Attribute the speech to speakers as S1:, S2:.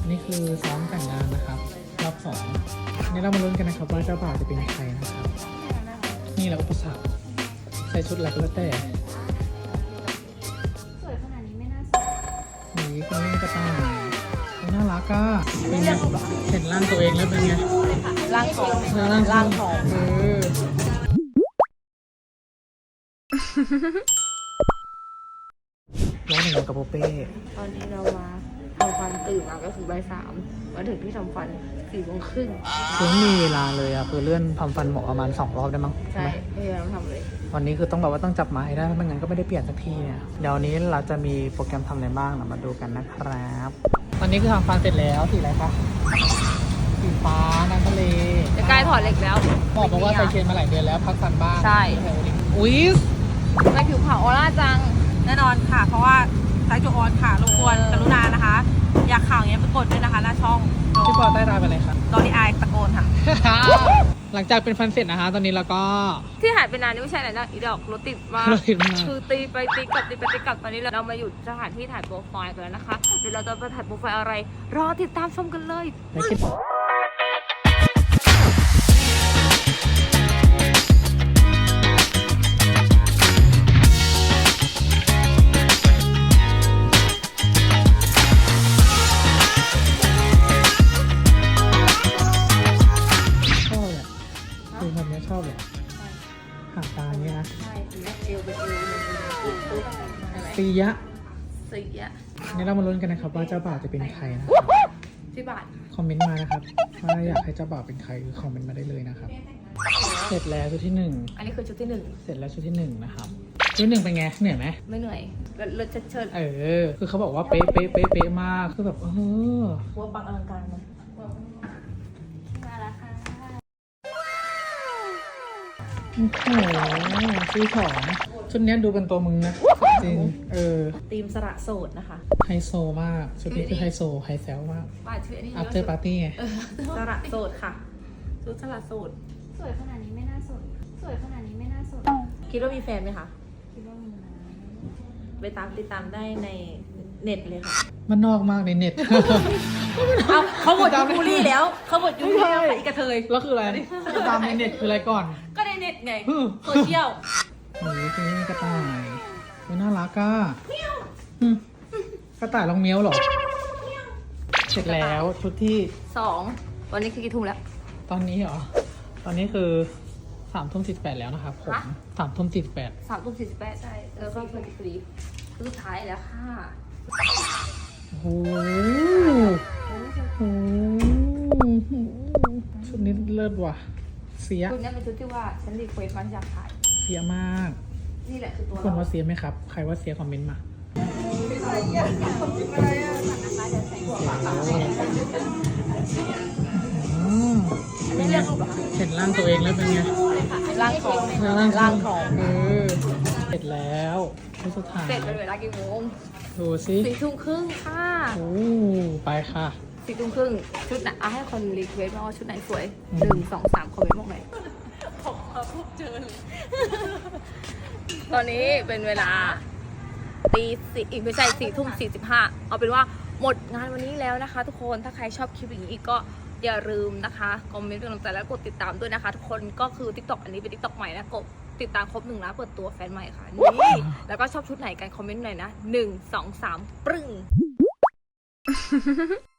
S1: นี่คือซ้อมแต่งงานนะครับรอบสองนี่เรามาลุ้นกันนะครับว่าเจ้าบ่าวจะเป็นใครนะครับ นี่แหละอุปสรรคใส่ชุดอะไรก็แล้วแต่
S2: สวยขนาดนี้ไม่น่าสวย
S1: นี่คนนี้กระต่ายน่ารักอ่ะเป็นไงเห็นร่างตัวเองแล้วเป็นไง
S2: ร่างของ
S1: ร่างของร้องหนึ่งกับโปเป้
S2: ตอนนี้เรามาทำฟันตื่นมาก็คือบ่ายสามมาถึงที่ทำฟัน4:30
S1: คือไม่มีเวลาเลยอ่ะคือเลื่อนทำฟันหมอประมาณ2 รอบได้มั้ง
S2: ใช่ไม่ได้ต้องทำเลย
S1: วันนี้คือต้องแบบว่าต้องจับมาให้ได้เพราะไม่งั้นก็ไม่ได้เปลี่ยนสักทีเนี่ยเดี๋ยวนี้เราจะมีโปรแกรมทำอะไรบ้างเรามาดูกันนะครับตอนนี้คือทำฟันเสร็จแล้วสีอะไรคะสีฟ้าน้ำทะเล
S2: จะใกล้ถอดเหล็กแล้ว
S1: บอกว่าใส่เชนมาหลายเดือนแล้วพักฟันบ้าง
S2: ใช่
S1: อุ้ย
S2: ไม่ผิวขาวออร่าจัง
S3: แน่นอนค่ะ เพราะว่าไซส์จูออนค่ะรบกวนกรุณานะคะ อยากข่าวอย่างเงี้ยไปกดด้วยนะคะหน้าช่อง
S1: พี่ปอใต้ตาเป็นอะไรคะ
S3: ดอลลี่อายตะโกนค่ะ
S1: หลังจากเป็นฟันเสร็จนะคะตอนนี้เราก็
S2: ที่หายไปนานนี่ไม่ใช่อะไรนะอีดอกรถติดมาก
S1: รถติดมาก
S2: คือตีไปตีกลับตีไปตีกลับตอนนี้เรามาอยู่สถานที่ถ่ายโปรไฟล์กันแล้วนะคะเดี๋ยวเราจะไปถ่ายโปรไฟล์อะไร รอติดตามชมกันเลย
S1: ไม่คิดชอบเลยคือแบบนี้ชอบเลยหางตาเนี้ยนะ
S2: ใช่คือเอวเป็นเอวปุ๊บใช่ไหม
S1: ปียะ
S2: สีอ่ะ
S1: นี่เรามาลุ้นกันนะครับว่าเจ้าบ่าวจะเป็นใครนะครับ
S2: ที่บาท
S1: คอมเมนต์มานะครับว่าอยากให้เจ้าบ่าวเป็นใครคือคอมเมนต์มาได้เลยนะครับ เสร็จแล้วชุดที่หนึ่ง
S2: อันนี้คือชุดที่หนึ่ง
S1: เสร็จแล้วชุดที่หนึ่งนะครับชุดที่หนึ่งเป็นไงเหนื่อยไหม
S2: ไม่เหนื่อยเลิศเชิด
S1: คือเขาบอกว่าเป๊ะเป๊ะเป๊ะเป๊ะมากคือแบบ
S2: หัวปังอลังการนะมาแล้วค่ะ
S1: โอ้โหซื้อของชุดเนี้ยดูเป็นตัวมึงนะจริง
S3: ทีมสระโสดนะคะ
S1: ไฮโซมากชุดนี้คือไฮโซไฮแซลมาก
S2: บาทชื่ออันนี้
S1: after party ไง
S3: สระโสดค่ะชุดสระโสด
S2: สวยขนาดนี้ไม่น่าสนสวยขนาดนี้ไม่น่าสน
S3: คิดว่ามีแฟนไหมคะ
S2: คิดว่ามีนะ
S3: ไปติดตามได้ในเน็ตเลยค่ะ
S1: มันนอกมากในเน็ต
S3: เอาเขาหมดยูบูลี่แล้วเขาหมดยูบูลี่แล้วค่ะอีกระเทย
S1: แล้วคืออะไรจะตามในเน็ตคืออะไรก่อน
S3: ก็ในเน็ตไงโซเชียล
S1: โอ้ยนี่กระต่ายมันน่ารักอ่ะอืมกระต่ายลองเมี้ยวเหรอ เสร็จแล้วชุดที่
S2: 2วันนี้คือกี่ทุ่มแล้ว
S1: ตอนนี้เหรอ ตอนนี้คือ3:48แล้วนะครับผม
S2: ฮะ
S1: 3:48
S2: 3:48ใช่แล้วก็พอดีคือสุดท้ายแล้วค่ะ
S1: โอ้โหชุดนี้เลิศว่ะเสีย
S2: ชุดนี้เป็นชุดที่ว่าฉันรีเควสต์มันอยากถ่าย
S1: เสียมาก
S2: นี่แหละคือตัว
S1: ทุกคนว่าเสียไหมครับ ใครว่าเสียคอมเมนต์มาอืมเป็นไงเห็นร่างตัวเองแล้วเป็นไง
S2: ร่างของ
S1: ร่างของเสร็จแล้วชุดสุดท้าย
S2: เสร็จเป็นเวลากี่โมง
S1: ดูสิ
S2: 4:30ค่ะ
S1: โอ้ไปค่ะ
S2: 4:30ชุดไหนเอาให้คนรีเควสต์มาว่าชุดไหนสวย
S1: อืม
S2: 1 2 3คอมเมนต์บอกหน่อย
S3: ผมมาพบเจอเลย
S2: ตอนนี้เป็นเวลา4ไม่ใช่4:45เอาเป็นว่าหมดงานวันนี้แล้วนะคะ ทุกคนถ้าใครชอบคลิปอย่างนี้อีกก็อย่าลืมนะคะคอมเมนต์เป็นกำลังใจแล้วกดติดตามด้วยนะคะ ทุกคนก็คือ TikTok อันนี้เป็น TikTok ใหม่นะกดติดตามครบ1 ล้านเปิดตัวแฟนใหม่ค่ะนี่แล้วก็ชอบชุดไหนกันคอมเมนต์หน่อยนะ1 2 3ปรึ้ง